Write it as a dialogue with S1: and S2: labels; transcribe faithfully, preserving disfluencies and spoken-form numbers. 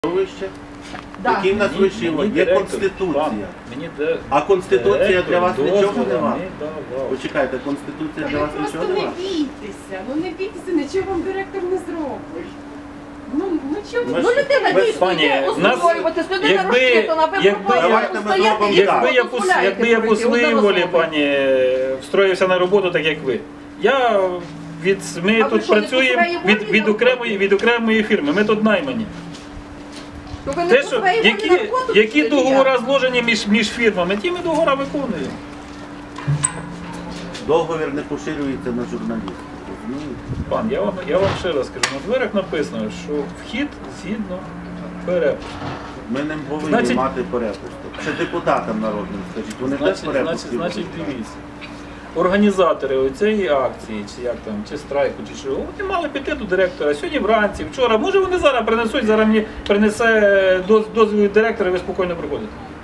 S1: Вище?
S2: Да.
S1: Який в нас
S3: Мені-
S1: вищий?
S3: мені
S1: Є
S3: директор,
S1: Конституція.
S3: пан, мені де-
S1: А Конституція
S3: директор
S1: для вас нічого
S3: дозволу
S1: нема?
S3: не давав.
S1: Почекайте, Конституція для
S4: Ви
S1: вас
S4: просто
S1: нічого
S4: не
S1: нема?
S4: бійтеся, ну не бійтеся, нічого вам директор не зробить. Ну, ну чого
S1: Ми
S4: ви?
S2: Ну, людина
S1: Ми-
S2: дійсно
S3: Пані,
S2: йде
S3: нас-
S2: озброюватись, людина
S3: якби-
S2: розчитана, ви
S3: якби-
S2: пропонуєте
S1: Давайте ми
S2: стояти
S1: зробимо
S2: і
S1: так.
S3: Якби я,
S2: ви
S3: по,
S2: дозволяєте
S3: якби я по
S2: пройти
S3: своїй
S2: одному
S3: волі,
S2: слову.
S3: пані, встроївся на роботу так, як ви. Я від, ми
S2: А ви
S3: тут
S2: що, не по
S3: працюємо
S2: своїй волі
S3: від, від,
S2: на
S3: окремої, від окремої фірми, ми тут наймані.
S2: То ви не
S3: Те,
S2: по
S3: що,
S2: своїй волі
S3: які,
S2: на роботу
S3: які
S2: пішли, чи
S3: договори
S2: як?
S3: зложені між, між фірмами, ті ми договори виконуємо.
S1: Договір не поширюється на журналістів. Розумієте?
S3: Пан, я вам, я вам ще раз скажу, на дверях написано, що вхід згідно перепуску.
S1: Ми не повинні
S3: Значить-
S1: мати перепусток. Ще депутатам народним скажіть, вони теж
S3: Значить, значить,
S1: перепустки
S3: значить,
S1: будуть
S3: дивіться. Організатори цієї акції, чи як там, чи страйку, чи що, вони мали піти до директора сьогодні вранці, вчора. Може вони зараз принесуть, зараз мені принесе доз- дозвіл від директора, і ви спокійно приходите.